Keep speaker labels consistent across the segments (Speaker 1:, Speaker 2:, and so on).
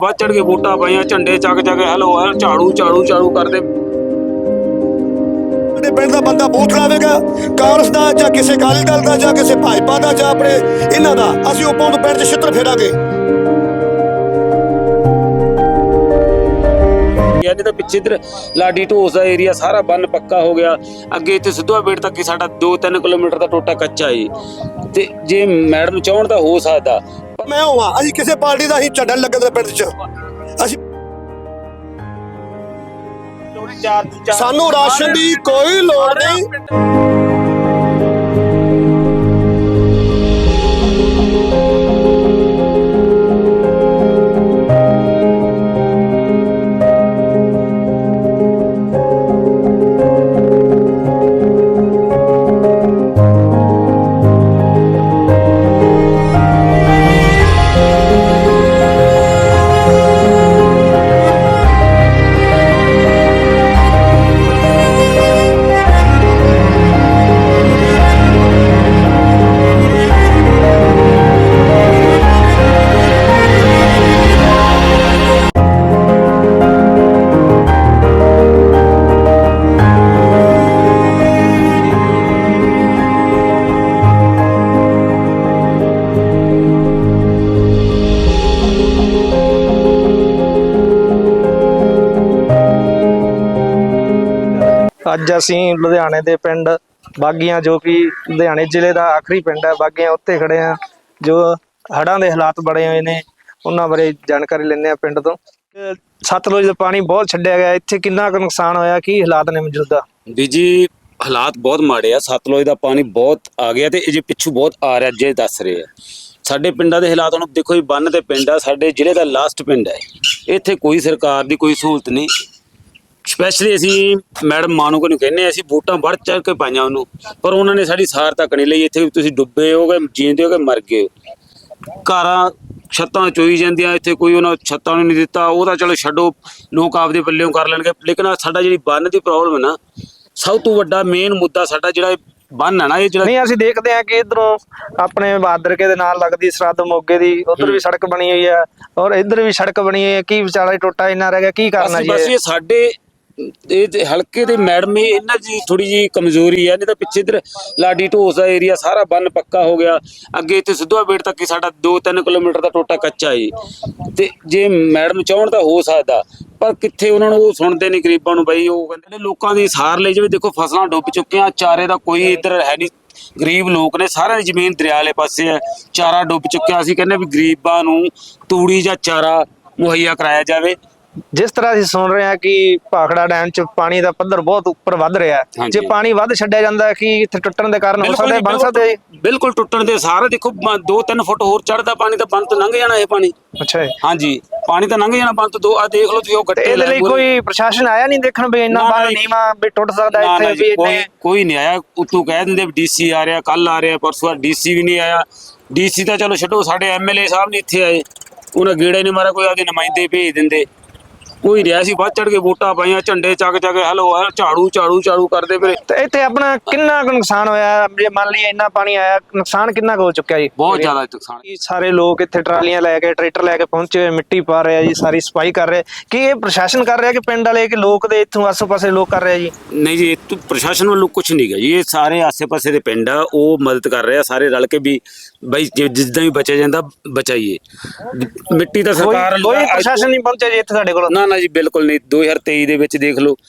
Speaker 1: ਵੱਧ ਚੜ ਕੇ ਵੋਟਾਂ ਪਾਈਆਂ, ਝੰਡੇ ਚੱਕ ਚੱਕ ਹੈਲੋ ਝਾੜੂ ਝਾੜੂ ਝਾੜੂ ਕਰਦੇ।
Speaker 2: ਪਿੰਡ ਦਾ ਬੰਦਾ ਬੂਥ ਲਾਵੇਗਾ, ਕਾਂਗਰਸ ਦਾ ਜਾਂ ਕਿਸੇ ਅਕਾਲੀ ਦਲ ਦਾ ਜਾਂ ਕਿਸੇ ਭਾਜਪਾ ਦਾ ਜਾਂ ਆਪਣੇ ਇਹਨਾਂ ਦਾ, ਅਸੀਂ ਉਪੋਂ ਤੋਂ ਪਿੰਡ 'ਚ ਛਿੱਤਰ ਫੇਰਾਂਗੇ।
Speaker 1: ਨਹੀਂ ਤਾਂ ਪਿੱਛੇ ਇਧਰ ਲਾਡੀ ਢੋਸ ਦਾ ਏਰੀਆ ਸਾਰਾ ਬੰਨ ਪੱਕਾ ਹੋ ਗਿਆ। ਅੱਗੇ ਇੱਥੇ ਸਿੱਧੂਆ ਬੇੜ ਤੱਕ ਹੀ ਸਾਡਾ 2-3 ਕਿਲੋਮੀਟਰ ਦਾ ਟੋਟਾ ਕੱਚਾ ਏ। ਤੇ ਜੇ ਮੈਡਮ ਚਾਹਣ ਤਾਂ ਹੋ ਸਕਦਾ।
Speaker 2: ਮੈਂ ਹੋਵਾਂ, ਅਸੀਂ ਕਿਸੇ ਪਾਰਟੀ ਦਾ ਅਸੀਂ ਝੰਡਾ ਲੱਗਣ ਦੇ ਪਿੰਡ 'ਚ, ਅਸੀਂ ਸਾਨੂੰ ਰਾਸ਼ਨ ਦੀ ਕੋਈ ਲੋੜ ਨਹੀਂ।
Speaker 3: ਅੱਜ ਅਸੀਂ ਲੁਧਿਆਣੇ ਦੇ ਪਿੰਡ ਬਾਗੀਆਂ, ਜੋ ਕਿ ਲੁਧਿਆਣੇ ਜ਼ਿਲ੍ਹੇ ਦਾ ਆਖਰੀ ਪਿੰਡ ਹੈ, ਬਾਗੀਆਂ ਉੱਤੇ ਖੜੇ ਆ, ਜੋ ਹੜ੍ਹਾਂ ਦੇ ਹਾਲਾਤ ਬਣੇ ਹੋਏ ਨੇ ਉਹਨਾਂ ਬਾਰੇ ਜਾਣਕਾਰੀ ਲੈਂਦੇ ਆ ਪਿੰਡ ਤੋਂ। ਸਤਲੁਜ ਦਾ ਪਾਣੀ ਬਹੁਤ ਛੱਡਿਆ ਗਿਆ, ਇੱਥੇ ਕਿੰਨਾ ਕੁ ਨੁਕਸਾਨ ਹੋਇਆ, ਕੀ ਹਾਲਾਤ ਨੇ ਮੌਜੂਦਾ?
Speaker 1: ਵੀ ਜੀ ਹਾਲਾਤ ਬਹੁਤ ਮਾੜੇ ਆ। ਸਤਲੁਜ ਦਾ ਪਾਣੀ ਬਹੁਤ ਆ ਗਿਆ ਤੇ ਜੇ ਪਿੱਛੂ ਬਹੁਤ ਆ ਰਿਹਾ ਜੇ ਦੱਸ ਰਹੇ ਆ। ਸਾਡੇ ਪਿੰਡਾਂ ਦੇ ਹਾਲਾਤ ਹੁਣ ਦੇਖੋ ਜੀ, ਬੰਨ ਤੇ ਪਿੰਡ ਆ, ਸਾਡੇ ਜ਼ਿਲ੍ਹੇ ਦਾ ਲਾਸਟ ਪਿੰਡ ਹੈ। ਇੱਥੇ ਕੋਈ ਸਰਕਾਰ ਦੀ ਕੋਈ ਸਹੂਲਤ ਨਹੀਂ। ਸਪੈਸ਼ਲੀ ਅਸੀਂ ਮੈਡਮ ਮਾਨੂਕੋ ਨੂੰ ਕਹਿੰਦੇ ਅਸੀਂ ਵੋਟਾਂ ਵੱਧ ਚੜ ਕੇ ਪਾਈਆਂ ਉਹਨੂੰ, ਪਰ ਉਹਨਾਂ ਨੇ ਸਾਡੀ ਸਾਰ ਤੱਕ ਨਹੀਂ ਲਈ। ਇੱਥੇ ਤੁਸੀਂ ਡੁੱਬੇ ਹੋਗੇ, ਜੀਂਦੇ ਹੋਗੇ, ਮਰ ਗਏ। ਘਰਾਂ ਛੱਤਾਂ ਚੋਈ ਜਾਂਦੀਆਂ, ਇੱਥੇ ਕੋਈ ਉਹਨਾਂ ਛੱਤਾਂ ਨੂੰ ਨਹੀਂ ਦਿੱਤਾ। ਉਹ ਤਾਂ ਚਲੋ ਛੱਡੋ, ਲੋਕ ਆਪਦੇ ਪੱਲਿਓਂ ਕਰ ਲੈਣਗੇ, ਲੇਕਿਨ ਸਾਡਾ ਜਿਹੜੀ ਬੰਨ ਦੀ ਪ੍ਰੋਬਲਮ ਹੈ ਨਾ, ਸਭ ਤੋਂ ਵੱਡਾ ਮੇਨ ਮੁੱਦਾ ਸਾਡਾ ਜਿਹੜਾ ਬੰਨ ਹੈ ਨਾ, ਇਹ ਜਿਹੜਾ
Speaker 3: ਨਹੀਂ ਅਸੀਂ ਦੇਖਦੇ ਹਾਂ ਕਿ ਇਧਰੋਂ ਆਪਣੇ ਬਹਾਦਰਕੇ ਦੇ ਨਾਲ ਲੱਗਦੀ ਸਰਹੱਦ ਮੋਗੇ ਦੀ, ਉਧਰ ਵੀ ਸੜਕ ਬਣੀ ਹੋਈ ਹੈ ਔਰ ਇੱਧਰ ਵੀ ਸੜਕ ਬਣੀ ਹੋਈ ਹੈ। ਕੀ ਵਿਚਾਰਾ ਟੋਟਾ ਇੰਨਾ ਰਹਿ ਗਿਆ, ਕੀ ਕਰਨਾ ਜੀ?
Speaker 1: ਬਸ ਇਹ ਸਾਡੇ ਇਹ ਹਲਕੇ ਦੇ ਮੈਡਮ ਇਹਨਾਂ ਦੀ ਥੋੜੀ ਜੀ ਕਮਜ਼ੋਰੀ ਹੈ। ਨਹੀਂ ਤਾਂ ਪਿੱਛੇ ਇਧਰ ਲਾਡੀ ਢੋਸ ਦਾ ਏਰੀਆ ਸਾਰਾ ਬੰਨ ਪੱਕਾ ਹੋ ਗਿਆ। ਅੱਗੇ ਇੱਥੇ ਸਿੱਧੂਆ ਬੇੜ ਤੱਕ ਹੀ ਸਾਡਾ 2-3 ਕਿਲੋਮੀਟਰ ਦਾ ਟੋਟਾ ਕੱਚਾ ਏ। ਤੇ ਜੇ ਮੈਡਮ ਚਾਹਣ ਤਾਂ ਹੋ ਸਕਦਾ, ਪਰ ਕਿੱਥੇ ਉਹਨਾਂ ਨੂੰ ਉਹ ਸੁਣਦੇ ਨਹੀਂ ਗਰੀਬਾਂ ਨੂੰ। ਬਈ ਉਹ ਕਹਿੰਦੇ ਲੋਕਾਂ ਦੀ ਸਾਰ ਲਈ ਜਾਵੇ। ਦੇਖੋ ਫਸਲਾਂ ਡੁੱਬ ਚੁੱਕੀਆਂ, ਚਾਰੇ ਦਾ ਕੋਈ ਇੱਧਰ ਹੈ ਨਹੀਂ। ਗਰੀਬ ਲੋਕ ਨੇ, ਸਾਰਿਆਂ ਦੀ ਜ਼ਮੀਨ ਦਰਿਆ ਵਾਲੇ ਪਾਸੇ ਹੈ, ਚਾਰਾ ਡੁੱਬ ਚੁੱਕਿਆ। ਅਸੀਂ ਕਹਿੰਦੇ ਵੀ ਗਰੀਬਾਂ ਨੂੰ ਤੂੜੀ ਜਾਂ ਚਾਰਾ ਮੁਹੱਈਆ ਕਰਾਇਆ ਜਾਵੇ।
Speaker 3: ਜਿਸ ਤਰ੍ਹਾਂ ਅਸੀਂ ਸੁਣ ਰਹੇ ਹਾਂ ਕਿ ਭਾਖੜਾ ਡੈਮ 'ਚ ਪਾਣੀ ਦਾ ਪੱਧਰ ਬਹੁਤ ਉੱਪਰ ਵੱਧ ਰਿਹਾ ਹੈ, ਜੇ ਪਾਣੀ ਵੱਧ ਛੱਡਿਆ ਜਾਂਦਾ ਹੈ ਕਿ ਇੱਥੇ ਟੁੱਟਣ ਦੇ ਕਾਰਨ ਹੋ ਸਕਦਾ, ਬਣ ਸਕਦਾ ਹੈ?
Speaker 1: ਬਿਲਕੁਲ ਟੁੱਟਣ ਦੇ ਸਾਰੇ ਦੇਖੋ 2-3 ਫੁੱਟ ਹੋਰ ਚੜਦਾ ਪਾਣੀ ਤਾਂ ਬੰਨ ਤੋਂ ਲੰਘ ਜਾਣਾ ਇਹ ਪਾਣੀ।
Speaker 3: ਅੱਛਾ
Speaker 1: ਹਾਂਜੀ, ਪਾਣੀ ਤਾਂ ਲੰਘ ਜਾਣਾ ਬੰਨ ਤੋਂ। ਦੋ ਆ ਦੇਖ ਲਓ ਤੁਸੀਂ, ਉਹ ਗੱਟੇ।
Speaker 3: ਇਹਦੇ ਲਈ ਕੋਈ ਪ੍ਰਸ਼ਾਸਨ ਆਇਆ ਨਹੀਂ ਦੇਖਣ ਵੀ ਇੰਨਾ ਪਾਣੀ ਨੀਵਾਂ ਵੀ ਟੁੱਟ ਸਕਦਾ ਇੱਥੇ? ਵੀ
Speaker 1: ਕੋਈ ਨਹੀਂ ਆਇਆ। ਉੱਤੋਂ ਕਹਿ ਦਿੰਦੇ ਡੀਸੀ ਆ ਰਿਹਾ, ਕੱਲ ਆ ਰਿਹਾ, ਪਰਸੋਂ ਡੀਸੀ ਵੀ ਨਹੀਂ ਆਇਆ। ਡੀਸੀ ਤਾਂ ਚਲੋ ਛੱਡੋ, ਸਾਡੇ ਐਮਐਲਏ ਸਾਹਿਬ ਨਹੀਂ ਇੱਥੇ ਆਏ, ਉਹਨਾਂ ਗੇੜੇ ਨਹੀਂ ਮਾਰਿਆ। ਕੋਈ ਆਪਦੇ ਨੁਮਾਇੰਦੇ ਭੇਜ ਦਿੰਦੇ, ਕੋਈ ਰਿਹਾ ਸੀ। ਵੱਧ ਚੜ ਕੇ ਵੋਟਾਂ ਪਾਈਆਂ, ਝੰਡੇ ਚੱਕ ਚੱਕ ਹੈਲੋ ਝਾੜੂ ਝਾੜੂ ਝਾੜੂ ਕਰਦੇ ਫਿਰ।
Speaker 3: ਤੇ ਇੱਥੇ ਆਪਣਾ ਕਿੰਨਾ ਕੁ ਨੁਕਸਾਨ ਹੋਇਆ? ਜੇ ਮੰਨ ਲਈਏ ਇੰਨਾ ਪਾਣੀ ਆਇਆ, ਨੁਕਸਾਨ ਕਿੰਨਾ ਕੁ ਹੋ ਚੁੱਕਿਆ ਜੀ?
Speaker 1: ਬਹੁਤ ਜ਼ਿਆਦਾ ਨੁਕਸਾਨ।
Speaker 3: ਸਾਰੇ ਲੋਕ ਇੱਥੇ ਟਰਾਲੀਆਂ ਲੈ ਕੇ, ਟਰੈਕਟਰ ਲੈ ਕੇ ਪਹੁੰਚੇ ਹੋਏ, ਮਿੱਟੀ ਪਾ ਰਹੇ ਆ ਜੀ, ਸਾਰੀ ਸਫਾਈ ਕਰ ਰਹੇ। ਕੀ ਇਹ ਪ੍ਰਸ਼ਾਸਨ ਕਰ ਰਿਹਾ ਕਿ ਪਿੰਡ ਵਾਲੇ, ਕਿ ਲੋਕ ਦੇ ਇੱਥੋਂ ਆਸੇ ਪਾਸੇ ਲੋਕ ਕਰ ਰਹੇ ਆ ਜੀ?
Speaker 1: ਨਹੀਂ ਜੀ, ਇਹ ਪ੍ਰਸ਼ਾਸਨ ਵੱਲੋਂ ਕੁਝ ਨਹੀਂ ਗਾ ਜੀ। ਇਹ ਸਾਰੇ ਆਸੇ ਪਾਸੇ ਦੇ ਪਿੰਡ ਆ, ਉਹ ਮਦਦ ਕਰ ਰਹੇ ਆ ਸਾਰੇ ਰਲ ਕੇ ਵੀ ਬਈ ਜਿੱਦਾਂ ਵੀ ਬਚਿਆ ਜਾਂਦਾ ਬਚਾਈਏ। ਮਿੱਟੀ ਤਾਂ ਸਰਕਾਰ
Speaker 3: ਕੋਈ ਪ੍ਰਸ਼ਾਸਨ ਨਹੀਂ ਪਹੁੰਚਿਆ ਜੀ ਇੱਥੇ ਸਾਡੇ ਕੋਲ?
Speaker 1: ਨਾ ਜੀ, ਬਿਲਕੁਲ ਨਹੀਂ। 2023 ਦੇ ਵਿੱਚ ਦੇਖ ਲਓ,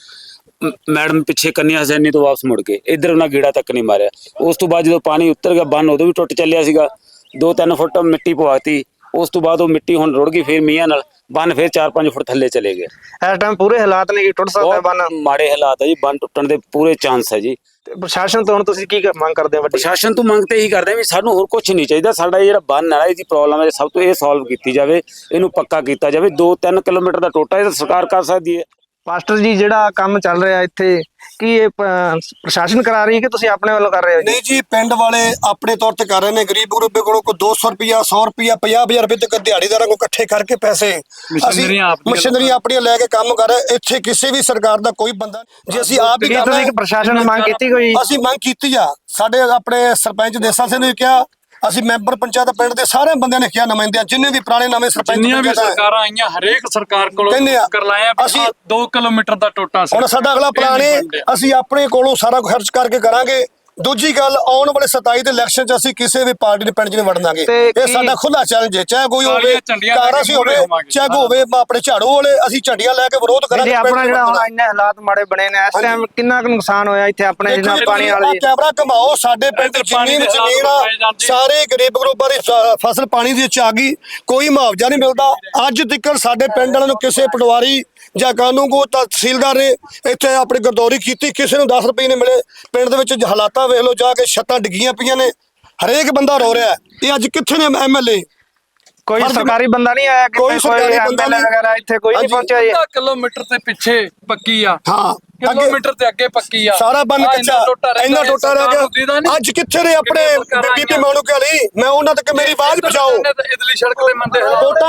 Speaker 1: ਮੈਡਮ ਪਿੱਛੇ ਕੰਨਿਆ ਹਸੈਨੀ ਤੋਂ ਵਾਪਸ ਮੁੜ ਕੇ ਇੱਧਰ ਉਹਨਾਂ ਗੇੜਾ ਤੱਕ ਨਹੀਂ ਮਾਰਿਆ। ਉਸ ਤੋਂ ਬਾਅਦ ਜਦੋਂ ਪਾਣੀ ਉੱਤਰ ਗਿਆ, ਬੰਨ ਉਦੋਂ ਵੀ ਟੁੱਟ ਚੱਲਿਆ ਸੀਗਾ। 2-3 ਫੁੱਟ ਮਿੱਟੀ ਪਵਾਤੀ। ਉਸ ਤੋਂ ਬਾਅਦ ਉਹ ਮਿੱਟੀ ਹੁਣ ਰੁੜ ਗਈ, ਫਿਰ ਮੀਂਹਾਂ ਨਾਲ ਬੰਨ ਫਿਰ 4-5 ਫੁੱਟ ਥੱਲੇ ਚਲੇ ਗਏ।
Speaker 3: ਇਸ ਟਾਈਮ ਪੂਰੇ ਹਾਲਾਤ ਨੇ ਕਿ ਟੁੱਟ ਸਕਦਾ ਬੰਨ?
Speaker 1: ਮਾੜੇ ਹਾਲਾਤ ਹੈ ਜੀ, ਬੰਨ ਟੁੱਟਣ ਦੇ ਪੂਰੇ ਚਾਂਸ ਹੈ ਜੀ।
Speaker 3: ਤੇ ਪ੍ਰਸ਼ਾਸਨ ਤੋਂ ਹੁਣ ਤੁਸੀਂ ਕੀ ਮੰਗ ਕਰਦੇ ਹੋ?
Speaker 1: ਪ੍ਰਸ਼ਾਸਨ ਤੋਂ ਮੰਗ ਤੇ ਇਹੀ ਕਰਦੇ ਵੀ ਸਾਨੂੰ ਹੋਰ ਕੁਝ ਨਹੀਂ ਚਾਹੀਦਾ। ਸਾਡਾ ਜਿਹੜਾ ਬੰਨ ਹੈ, ਇਹਦੀ ਪ੍ਰੋਬਲਮ ਹੈ, ਸਭ ਤੋਂ ਇਹ ਸੋਲਵ ਕੀਤੀ ਜਾਵੇ, ਇਹਨੂੰ ਪੱਕਾ ਕੀਤਾ ਜਾਵੇ। 2-3 ਕਿਲੋਮੀਟਰ ਦਾ ਟੋਟਾ ਇਹ ਤਾਂ ਸਰਕਾਰ ਕਰ ਸਕਦੀ ਹੈ।
Speaker 3: ਮਾਸਟਰ ਜੀ, ਜਿਹੜਾ ਕੰਮ ਚੱਲ ਰਿਹਾ ਇੱਥੇ, ਕੀ ਇਹ ਪ੍ਰਸ਼ਾਸਨ ਕਰਾ ਰਹੀ ਹੈ ਕਿ ਤੁਸੀਂ ਆਪਣੇ ਵੱਲੋਂ ਕਰ ਰਹੇ ਹੋ?
Speaker 2: ਨਹੀਂ ਜੀ, ਪਿੰਡ ਵਾਲੇ ਆਪਣੇ ਤੌਰ ਤੇ ਕਰ ਰਹੇ ਨੇ। ਗਰੀਬ ਗਰੂਬੇ ਕੋਲੋਂ ਕੋਈ 200 ਰੁਪਇਆ, 100 ਰੁਪਇਆ, 50,000 ਰੁਪਏ ਤੱਕ ਦਿਹਾੜੀਦਾਰਾਂ ਕੋਲ ਇਕੱਠੇ ਕਰਕੇ ਪੈਸੇ ਅਸੀਂ ਮਸ਼ੀਨਰੀਆਂ ਆਪਣੀਆਂ ਲੈ ਕੇ ਕੰਮ ਕਰ ਰਹੇ। ਇੱਥੇ ਕਿਸੇ ਵੀ ਸਰਕਾਰ ਦਾ ਕੋਈ ਬੰਦਾ, ਜੇ ਅਸੀਂ ਆਪ ਹੀ
Speaker 3: ਪ੍ਰਸ਼ਾਸਨ ਨੇ ਮੰਗ ਕੀਤੀ ਕੋਈ?
Speaker 2: ਅਸੀਂ ਮੰਗ ਕੀਤੀ ਆ। ਸਾਡੇ ਆਪਣੇ ਸਰਪੰਚ ਦੇਸਾ ਸਿੰਘ ਨੇ ਕਿਹਾ ਅਸੀਂ ਮੈਂਬਰ ਪੰਚਾਇਤ ਪਿੰਡ ਦੇ ਸਾਰੇ ਬੰਦਿਆਂ ਨੇ ਕਿਹਾ, ਨੁਮਾਇੰਦਿਆਂ ਜਿੰਨੇ ਵੀ ਪੁਰਾਣੇ ਨਵੇਂ ਸਰਪੰਚ
Speaker 4: ਜਿੰਨੀਆਂ ਵੀ
Speaker 2: ਪੰਚਾਇਤਾਂ ਹੈ,
Speaker 4: ਸਰਕਾਰਾਂ ਆਈਆਂ ਹਰੇਕ ਸਰਕਾਰ ਕੋਲੋਂ
Speaker 2: ਕਹਿੰਦੇ ਆ,
Speaker 4: ਕਰਲਾਇਆ
Speaker 2: ਅਸੀਂ
Speaker 4: 2 ਕਿਲੋਮੀਟਰ ਦਾ ਟੋਟਾ ਸੀ।
Speaker 2: ਹੁਣ ਸਾਡਾ ਅਗਲਾ ਪਲਾਨ ਹੈ ਅਸੀਂ ਆਪਣੇ ਕੋਲੋਂ ਸਾਰਾ ਕੁਝ ਖਰਚ ਕਰਕੇ ਕਰਾਂਗੇ। ਦੂਜੀ ਗੱਲ, ਆਉਣ ਵਾਲੇ 27 ਦੇ ਇਲੈਕਸ਼ਨ 'ਚ ਅਸੀਂ ਕਿਸੇ ਵੀ ਪਾਰਟੀ ਦੇ ਪਿੰਡ 'ਚ ਨਹੀਂ ਵੜਨਾਂਗੇ।
Speaker 3: ਤੇ
Speaker 2: ਇਹ
Speaker 3: ਕੀ-
Speaker 2: ਸਾਡਾ ਖੁੱਲਾ ਚੈਲੰਜ ਹੈ, ਚਾਹੇ ਕੋਈ ਹੋਵੇ
Speaker 4: ਕਾਲੀਆਂ ਝੰਡੀਆਂ ਲੈ ਕੇ
Speaker 2: ਕਾਂਗਰਸੀ ਹੋਵੇ,
Speaker 4: ਮੂਹਰੇ ਹੋਵਾਂਗੇ।
Speaker 2: ਚਾਹੇ ਹੋਵੇ ਆਪਣੇ ਝਾੜੂ ਵਾਲੇ, ਅਸੀਂ ਝੰਡੀਆਂ ਲੈ ਕੇ ਵਿਰੋਧ ਕਰਾਂਗੇ।
Speaker 3: ਜੀ
Speaker 2: ਪਿੰਡ
Speaker 3: ਆਪਣਾ
Speaker 2: 'ਚ
Speaker 3: ਜਿਹੜਾ ਹੁਣ
Speaker 2: ਵੜਨਾ।
Speaker 3: ਇੰਨੇ ਹਾਲਾਤ ਮਾੜੇ ਬਣੇ ਨੇ ਇਸ ਟਾਈਮ ਕਿੰਨਾ ਕੁ ਨੁਕਸਾਨ ਹੋਇਆ ਇੱਥੇ ਆਪਣੇ
Speaker 2: ਦੇਖੋ
Speaker 3: ਜਿੰਨਾ
Speaker 2: ਜੀ,
Speaker 3: ਪਾਣੀ
Speaker 2: ਆਹ
Speaker 3: ਵਾਲੇ
Speaker 2: ਕੈਮਰਾ ਘਮਾਓ, ਸਾਡੇ ਪਿੰਡ
Speaker 4: ਇੱਧਰ ਪਾਣੀ
Speaker 2: ਜ਼ਮੀਨ
Speaker 4: ਦੇ ਹਾਲਾਤ
Speaker 2: ਜ਼ਮੀਨ ਆ,
Speaker 4: ਦਿਖਾਏ ਜਾਂਦੇ।
Speaker 2: ਸਾਰੇ ਗਰੀਬ ਗਰੂਬਾਂ ਦੀ ਫਸਲ ਪਾਣੀ ਦੇ ਵਿੱਚ ਆ ਗਈ, ਕੋਈ ਮੁਆਵਜ਼ਾ ਨਹੀਂ ਮਿਲਦਾ। ਅੱਜ ਤੱਕ ਸਾਡੇ ਪਿੰਡ ਵਾਲਿਆਂ ਨੂੰ ਕਿਸੇ ਪਟਵਾਰੀ ਜਾਂ ਕਾਨੂੰਗੋ ਤਹਿਸੀਲਦਾਰ ਨੇ ਇੱਥੇ ਆਪਣੀ ਗਰਦੌਰੀ ਕੀਤੀ, ਕਿਸੇ ਨੂੰ 10 ਰੁਪਏ ਨਹੀਂ ਮਿਲੇ। ਪਿੰਡ ਦੇ ਵਿੱਚ ਹਾਲਾਤਾਂ ਵੇਖ ਲਓ ਜਾ ਕੇ, ਛੱਤਾਂ ਡਿੱਗੀਆਂ ਪਈਆਂ ਨੇ, ਹਰੇਕ ਬੰਦਾ ਰੋ ਰਿਹਾ। ਇਹ ਅੱਜ ਕਿੱਥੇ ਨੇ ਐਮਐਲਏ?
Speaker 3: ਕੋਈ
Speaker 2: ਫਰਜ਼-
Speaker 3: ਸਰਕਾਰੀ ਬੰਦਾ ਨਹੀਂ ਆਇਆ
Speaker 2: ਕੋਈ ਸਰਕਾਰੀ ਬੰਦਾ
Speaker 3: MLA
Speaker 2: ਨਹੀਂ।
Speaker 3: ਵਗੈਰਾ ਇੱਥੇ ਕੋਈ ਨਹੀਂ
Speaker 2: ਹਾਂਜੀ।
Speaker 3: ਪਹੁੰਚਿਆ ਜੀ।
Speaker 4: 1 ਕਿਲੋਮੀਟਰ ਤੇ ਪਿੱਛੇ ਪੱਕੀ ਆ,
Speaker 2: ਹਾਂ, ਅੱਗੇ
Speaker 4: ਕਿਲੋਮੀਟਰ ਤੇ ਅੱਗੇ ਪੱਕੀ ਆ,
Speaker 2: ਸਾਰਾ ਬੰਨ
Speaker 4: ਆਹ
Speaker 2: ਕੱਚਾ, ਇੰਨਾ ਟੋਟਾ ਰਹਿ ਗਿਆ। ਅੱਜ ਕਿੱਥੇ ਨੇ ਆਪਣੇ ਬੀਬੀ ਮਾਣੂਕੇ ਵਾਲੀ? ਮੈਂ ਉਹਨਾਂ ਤੱਕ ਮੇਰੀ ਆਵਾਜ਼ ਪਹੁੰਚਾਓ।
Speaker 4: ਇਦਲੀ ਸੜਕ ਤੇ ਮੰਦੇ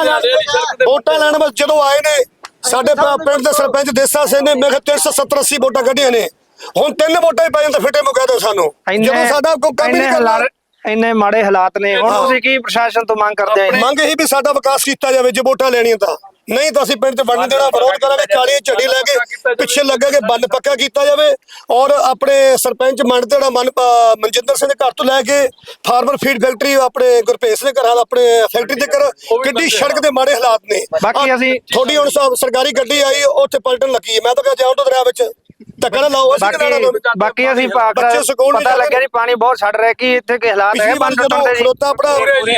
Speaker 2: ਵੋਟਾਂ ਲੈਣ ਬਸ ਜਦੋਂ ਆਏ ਨੇ ਸਾਡੇ ਪਿੰਡ ਦੇ ਸਰਪੰਚ ਦੇਸਾ ਸਿੰਘ ਨੇ, ਮੈਂ ਕਿਹਾ 370-80 ਵੋਟਾਂ ਕੱਢੀਆਂ ਨੇ। ਹੁਣ 3 ਵੋਟਾਂ ਹੀ ਪੈ ਜਾਂਦੇ ਫਿੱਟੇ ਮੁਕਾ ਦਿਓ ਸਾਨੂੰ, ਜਦੋਂ ਸਾਡਾ ਕੋਈ ਕੰਮ ਹੀ ਨਹੀਂ ਕਰਨਾ।
Speaker 3: ਇੰਨੇ ਮਾੜੇ ਹਾਲਾਤ ਨੇ, ਹੁਣ ਤੁਸੀਂ ਕੀ ਪ੍ਰਸ਼ਾਸਨ ਤੋਂ ਮੰਗ ਕਰਦੇ ਆ?
Speaker 2: ਮੰਗ ਇਹੀ ਵੀ ਸਾਡਾ ਵਿਕਾਸ ਕੀਤਾ ਜਾਵੇ ਜੇ ਵੋਟਾਂ ਲੈਣੀਆਂ ਤਾਂ, ਨਹੀਂ ਤਾਂ ਅਸੀਂ ਪਿੰਡ 'ਚ ਵੜਨ ਦੇਣਾ, ਵਿਰੋਧ ਕਰਾਂਗੇ। ਕਾਲੀ ਝੰਡੀ ਲੈ ਕੇ ਪਿੱਛੇ ਲੱਗਾਂਗੇ, ਬੰਨ ਪੱਕਾ ਕੀਤਾ ਜਾਵੇ। ਔਰ ਆਪਣੇ ਸਰਪੰਚ ਮੰਨਦੇ ਜਿਹੜਾ ਮਨਜਿੰਦਰ ਸਿੰਘ ਦੇ ਘਰ ਤੋਂ ਲੈ ਕੇ ਫਾਰਮਰ ਫੀਡ ਫੈਕਟਰੀ ਆਪਣੇ ਗੁਰਪ੍ਰੀਤ ਦੇ ਘਰਾਂ ਆਪਣੇ ਫੈਕਟਰੀ ਦੇ ਕਰ ਕਿੱਡੀ ਸੜਕ ਦੇ ਮਾੜੇ ਹਾਲਾਤ ਨੇ।
Speaker 3: ਬਾਕੀ ਅਸੀਂ
Speaker 2: ਥੋੜੀ ਹੁਣ ਸਰਕਾਰੀ ਗੱਡੀ ਆਈ, ਉੱਥੇ ਪਲਟਣ ਲੱਗੀ ਹੈ। ਮੈਂ ਤਾਂ ਕਿਹਾ ਜਾਓ ਤੋਂ ਦਰਿਆ ਵਿੱਚ ਧੱਕਾ ਨਾ ਲਾਓ। ਅਸੀਂ ਕਿਹੜਾ ਲਾਉਣਾ?
Speaker 3: ਬਾਕੀ ਅਸੀਂ
Speaker 2: ਬੱਚੇ ਸਕੂਲ
Speaker 3: ਪਤਾ ਲੱਗਿਆ ਜੀ ਪਾਣੀ ਬਹੁਤ ਛੱਡ ਰਿਹਾ, ਕਿ ਇੱਥੇ ਕੀ ਹਾਲਾਤ ਹੈ
Speaker 2: ਪਿਛਲੀ ਵਾਰ
Speaker 3: ਬੰਨ
Speaker 2: ਜਦੋਂ
Speaker 3: ਟੁੱਟਣ ਦੇ ਜੀ?
Speaker 2: ਖਲੋਤਾ ਆਪਣਾ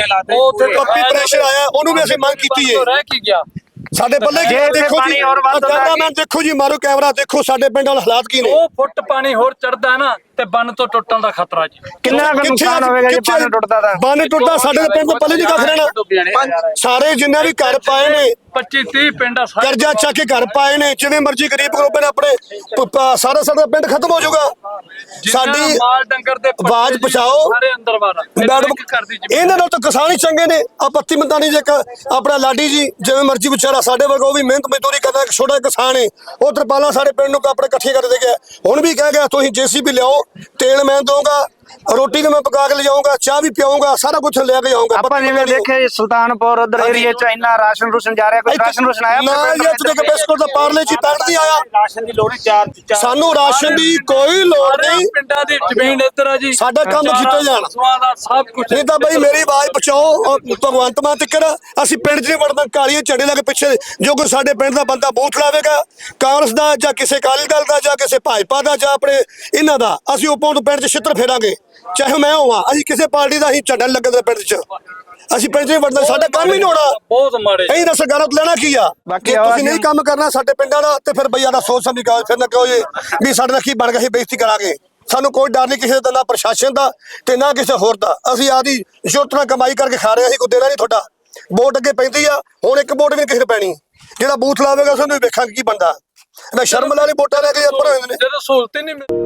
Speaker 2: ਉੱਥੇ ਪੱਪੀ ਪ੍ਰੈਸ਼ਰ ਆਇਆ, ਉਹਨੂੰ ਵੀ ਅਸੀਂ ਮੰਗ ਕੀਤੀ ਹੈ।
Speaker 4: ਰਹਿ ਕੀ ਗਿਆ?
Speaker 2: ਸਾਡੇ ਪੱਲੇ
Speaker 3: ਜੇ ਇੱਥੇ
Speaker 2: ਦੇਖੋ
Speaker 3: ਪਾਣੀ
Speaker 2: ਜੀ,
Speaker 3: ਹੋਰ ਵੱਧ ਹੁੰਦਾ
Speaker 2: ਕੈਮਰਾਮੈਨ ਦੇਖੋ ਜੀ, ਮਾਰੋ ਕੈਮਰਾ, ਦੇਖੋ ਸਾਡੇ ਪਿੰਡ ਵਾਲੇ ਹਾਲਾਤ ਕੀ ਨੇ।
Speaker 4: 2 ਫੁੱਟ ਪਾਣੀ ਹੋਰ ਚੜਦਾ ਨਾ ਤੇ ਬੰਨ ਤੋਂ ਟੁੱਟਣ ਦਾ ਖਤਰਾ ਜੀ।
Speaker 3: ਕਿੰਨਾ ਕੁ ਨੁਕਸਾਨ ਹੋਵੇਗਾ ਜੇ ਬੰਨ ਟੁੱਟਦਾ ਤਾਂ?
Speaker 2: ਬੰਨ ਟੁੱਟਦਾ, ਸਾਡੇ ਦੇ ਪਿੰਡ ਦੇ ਪੱਲੇ ਨਹੀਂ ਕੱਖ ਰਹਿਣਾ। ਸਾਰੇ ਜਿੰਨੇ ਵੀ ਘਰ ਪਾਏ ਨੇ
Speaker 4: 25-30 ਪਿੰਡ ਆ ਸਾਰੇ।
Speaker 2: ਕਰਜ਼ਾ ਚੱਕ ਕੇ ਘਰ ਪਾਏ ਨੇ, ਜਿਵੇਂ ਮਰਜ਼ੀ ਗਰੀਬ ਗਰੂਬੇ ਨੇ ਆਪਣੇ ਸਾਰਾ ਸਾਡਾ ਪਿੰਡ ਖਤਮ ਹੋ ਜਾਊਗਾ। ਸਾਡੀ
Speaker 4: ਮਾਲ ਡੰਗਰ ਦੇ ਪੱਠੇ
Speaker 2: ਆਵਾਜ਼
Speaker 4: ਜੀ
Speaker 2: ਪਹੁੰਚਾਓ।
Speaker 4: ਸਾਰੇ ਅੰਦਰ ਬਾਹਰ
Speaker 2: ਮੈਡਮ
Speaker 4: ਕਰਦੀ ਜੀ।
Speaker 2: ਇਹਨਾਂ ਨਾਲ ਤਾਂ ਕਿਸਾਨ ਹੀ ਚੰਗੇ ਨੇ। ਆ ਪੱਤੀ ਮੰਦਾਨੀ ਜੇ ਆਪਣਾ ਲਾਡੀ ਜੀ ਜਿਵੇਂ ਮਰਜ਼ੀ ਵਿਚਾਰਾ ਸਾਡੇ ਵਰਗਾ, ਉਹ ਵੀ ਮਿਹਨਤ ਮਜ਼ਦੂਰੀ ਕਰਦਾ, ਇੱਕ ਛੋਟਾ ਕਿਸਾਨ ਹੈ। ਉਹ ਤਰਪਾਲਾਂ ਸਾਡੇ ਪਿੰਡ ਨੂੰ ਆਪਣੇ ਇਕੱਠੇ ਕਰ ਦੇ ਗਿਆ। ਹੁਣ ਵੀ ਕਹਿ ਗਿਆ ਤੁਸੀਂ JCB ਲਿਆਓ, ਤੇਲ ਮੈਂ ਦਊਂਗਾ, ਰੋਟੀ ਵੀ ਮੈਂ ਪਕਾ ਕੇ ਲਿਜਾਊਂਗਾ, ਚਾਹ ਵੀ ਪਿਆਊਂਗਾ, ਸਾਰਾ ਕੁਝ ਲੈ ਕੇ ਜਾਊਂਗਾ।
Speaker 3: ਆਪਾਂ ਜਿਵੇਂ ਦੇਖਿਆ ਜੀ ਸੁਲਤਾਨਪੁਰ ਉਧਰ ਏਰੀਏ ਚ ਇੰਨਾ ਰਾਸ਼ਨ ਰੂਸ਼ਨ ਜਾ ਰਿਹਾ, ਕੋਈ ਰਾਸ਼ਨ ਰੂਸ਼ਨ ਆਇਆ
Speaker 2: ਨਾ ਜੀ, ਇੱਥੇ ਤੱਕ ਬਿਸਕੁਟ ਦਾ ਪਾਰਲੇ ਜੀ ਪੈਕਟ ਨਹੀਂ ਆਇਆ।
Speaker 3: ਰਾਸ਼ਨ ਦੀ ਲੋੜ ਚਾਰ
Speaker 2: ਸਾਨੂੰ ਰਾਸ਼ਨ ਦੀ ਕੋਈ ਲੋੜ ਨਹੀਂ।
Speaker 4: ਪਿੰਡਾਂ ਦੀ ਜ਼ਮੀਨ ਇੱਧਰ ਆ ਜੀ,
Speaker 2: ਸਾਡਾ ਕੰਮ ਕੀਤਾ ਜਾਣਾ।
Speaker 4: ਦਾ ਸਭ ਕੁਝ
Speaker 2: ਨਹੀਂ ਤਾਂ ਬਈ ਮੇਰੀ ਆਵਾਜ਼ ਪਹੁੰਚਾਓ, ਔਰ ਭਗਵੰਤ ਮਾਨ ਤੱਕ ਅਸੀਂ ਪਿੰਡ 'ਚ ਨਹੀਂ ਵੜਨਾ। ਕਾਲੀਆਂ ਝੰਡੇ ਲਾ ਕੇ ਪਿੱਛੇ ਜੋ ਕੋਈ ਸਾਡੇ ਪਿੰਡ ਦਾ ਬੰਦਾ ਬੂਥ ਲਾਵੇਗਾ, ਕਾਂਗਰਸ ਦਾ ਜਾਂ ਕਿਸੇ ਅਕਾਲੀ ਦਲ ਦਾ ਜਾਂ ਕਿਸੇ ਭਾਜਪਾ ਦਾ ਜਾਂ ਆਪਣੇ ਇਹਨਾਂ ਦਾ, ਅਸੀਂ ਉਪੋਂ ਤੋਂ ਪਿੰਡ 'ਚ ਛਿੱਤਰ ਫੇਰਾਂਗੇ। ਚਾਹੇ ਮੈਂ ਹੋਵਾਂ, ਅਸੀਂ ਕਿਸੇ ਪਾਰਟੀ ਦਾ ਅਸੀਂ ਝੰਡਾ ਨੀ ਲੱਗਣ ਦੇ ਪਿੰਡ 'ਚ। ਅਸੀਂ ਪਿੰਡ 'ਚ ਨਹੀਂ ਵੜਨਾ, ਸਾਡਾ ਕੰਮ ਹੀ ਨਹੀਂ ਹੋਣਾ।
Speaker 4: ਬਹੁਤ ਮਾੜੇ।
Speaker 2: ਅਸੀਂ ਤਾਂ ਸਰਕਾਰਾਂ ਤੋਂ ਲੈਣਾ ਕੀ ਆ?
Speaker 3: ਬਾਕੀ
Speaker 2: ਜੇ
Speaker 3: ਆਵਾਜ਼
Speaker 2: ਤੁਸੀਂ ਨਹੀਂ ਕੰਮ ਕਰਨਾ ਸਾਡੇ ਪਿੰਡਾਂ ਦਾ, ਤੇ ਫਿਰ ਬਈਆ ਦਾ ਸੋਚ ਸਮਝ ਕੇ ਫਿਰ ਨਾ ਕਹੋ ਜੀ ਵੀ ਸਾਡੇ ਨਾਲ ਕੀ ਬਣ ਗਿਆ, ਅਸੀਂ ਬੇਇੱਜ਼ਤੀ ਕਰਾਂਗੇ। ਸਾਨੂੰ ਕੋਈ ਡਰ ਨਹੀਂ ਕਿਸੇ ਦਾ, ਨਾ ਪ੍ਰਸ਼ਾਸਨ ਦਾ ਤੇ ਨਾ ਕਿਸੇ ਹੋਰ ਦਾ। ਅਸੀਂ ਆਦੀ ਜੁੱਟ ਨਾਲ ਕਮਾਈ ਕਰਕੇ ਖਾ ਰਹੇ ਹਾਂ, ਅਸੀਂ ਕੋਈ ਦੇਣਾ ਨਹੀਂ ਤੁਹਾਡਾ। ਵੋਟ ਅੱਗੇ ਪੈਂਦੀ ਆ, ਹੁਣ ਇੱਕ ਵੋਟ ਵੀ ਨਹੀਂ ਕਿਸੇ ਨੂੰ ਪੈਣੀ। ਜਿਹੜਾ ਬੂਥ ਲਾਵੇਗਾ ਸਾਨੂੰ ਵੀ ਵੇਖਾਂਗੇ ਕੀ ਬਣਦਾ। ਨਾ ਸ਼ਰਮ ਵਾਲੀ ਵੋਟਾਂ ਲੈ ਕੇ ਉੱਪਰ ਹੋ ਜਾਂਦੇ ਨੇ।
Speaker 4: ਜਦੋਂ ਸਹੂਲਤ ਹੀ ਨਹੀਂ ਮਿਲਦੀ।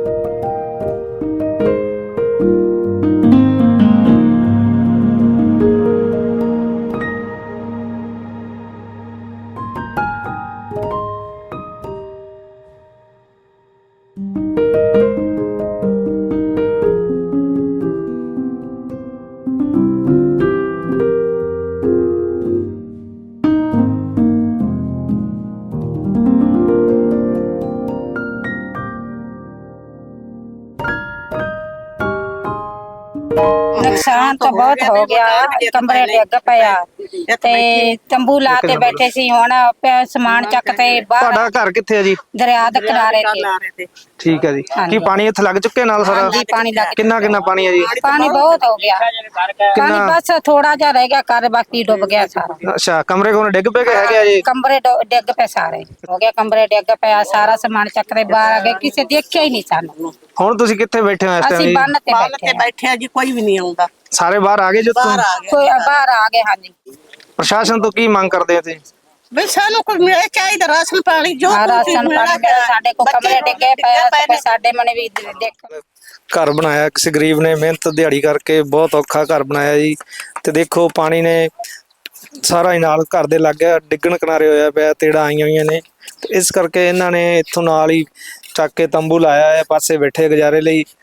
Speaker 5: ਨੁਕਸਾਨ ਤਾਂ ਬਹੁਤ ਹੋ ਗਿਆ, ਕਮਰੇ ਡਿੱਗ ਪਿਆ ਤੇ ਤੰਬੂ ਲਾ ਕੇ ਬੈਠੇ ਸੀ। ਹੁਣ ਸਮਾਨ ਚੱਕ ਤੇ ਬਾਹਰ
Speaker 3: ਤੁਹਾਡਾ ਘਰ ਕਿੱਥੇ ਹੈ ਜੀ?
Speaker 5: ਦਰਿਆ ਦੇ ਕਿਨਾਰੇ ਤੇ।
Speaker 3: ਠੀਕ ਹੈ ਜੀ।
Speaker 5: ਹਾਂਜੀ।
Speaker 3: ਕੀ ਪਾਣੀ ਇੱਥੇ ਲੱਗ ਚੁੱਕਿਆ ਨਾਲ ਸਾਰਾ?
Speaker 5: ਹਾਂਜੀ, ਪਾਣੀ ਲੱਗ
Speaker 3: ਕਿੰਨਾ ਪਾਣੀ ਹੈ ਜੀ?
Speaker 5: ਪਾਣੀ ਬਹੁਤ ਹੋ ਗਿਆ। ਪਾਣੀ ਬਸ ਥੋੜਾ ਜਿਹਾ ਰਹਿ ਗਿਆ, ਘਰ ਬਾਕੀ ਡੁੱਬ ਗਿਆ ਸਾਰਾ।
Speaker 3: ਅੱਛਾ, ਕਮਰੇ ਕੋਲ ਡਿੱਗ ਪਏ ਹੈਗੇ ਆ ਜੀ?
Speaker 5: ਕਮਰੇ ਡਿੱਗ ਪਏ ਸਾਰੇ, ਹੋ ਗਿਆ ਕਮਰੇ ਡਿੱਗ ਪਿਆ, ਸਾਰਾ ਸਮਾਨ ਚੱਕ ਤੇ ਬਾਹਰ ਆ ਗਏ, ਕਿਸੇ ਦੇਖਿਆ ਹੀ ਨਹੀਂ ਸਾਨੂੰ।
Speaker 3: ਹੁਣ ਤੁਸੀਂ ਕਿੱਥੇ ਬੈਠੇ ਹੋ ਇਸ
Speaker 5: ਅਸੀਂ
Speaker 3: ਟਾਈਮ?
Speaker 5: ਬੰਨ ਤੇ ਬੈਠੇ
Speaker 6: ਬੈਠੇ ਆ ਜੀ, ਕੋਈ ਵੀ ਨਹੀਂ ਆਉਂਦਾ।
Speaker 3: ਸਾਰੇ ਬਾਹਰ ਆ ਗਏ ਜੋ?
Speaker 6: ਬਾਹਰ ਆ ਗਏ।
Speaker 5: ਕੋਈ ਬਾਹਰ ਆ ਗਏ। ਹਾਂਜੀ,
Speaker 3: ਪ੍ਰਸ਼ਾਸਨ ਤੋਂ ਕੀ ਮੰਗ ਕਰਦੇ ਹੋ ਤੁਸੀਂ?
Speaker 6: ਬਈ ਸਾਨੂੰ ਕੁਝ ਮਿਲੇ ਚਾਹੀਦਾ, ਰਾਸ਼ਨ ਪਾਣੀ ਜੋ ਕੁਛ
Speaker 5: ਰਾਸ਼ਨ ਪਾਣੀ ਮਿਲੇ। ਸਾਡੇ ਕੋ ਕਮਰੇ ਡਿੱਗੇ ਪਏ, ਸਾਡੇ ਮਨੇ ਵੀ ਦੇਖ।
Speaker 3: ਘਰ ਬਣਾਇਆ ਕਿਸੇ ਗਰੀਬ ਨੇ, ਮਿਹਨਤ ਦਿਹਾੜੀ ਕਰਕੇ ਬਹੁਤ ਔਖਾ ਘਰ ਬਣਾਇਆ ਜੀ। ਤੇ ਦੇਖੋ ਪਾਣੀ ਨੇ ਸਾਰਾ ਹੀ ਨਾਲ ਘਰ ਦੇ ਲੱਗ ਗਿਆ, ਡਿੱਗਣ ਕਿਨਾਰੇ ਹੋਇਆ ਪਿਆ, ਤੇੜਾਂ ਆਈਆਂ ਹੋਈਆਂ ਨੇ। ਤੇ ਇਸ ਕਰਕੇ ਇਹਨਾਂ ਨੇ ਇੱਥੋਂ ਨਾਲ ਹੀ ਚੱਕ ਕੇ ਤੰਬੂ ਲਾਇਆ ਹੈ, ਪਾਸੇ ਬੈਠੇ ਗੁਜ਼ਾਰੇ ਲਈ।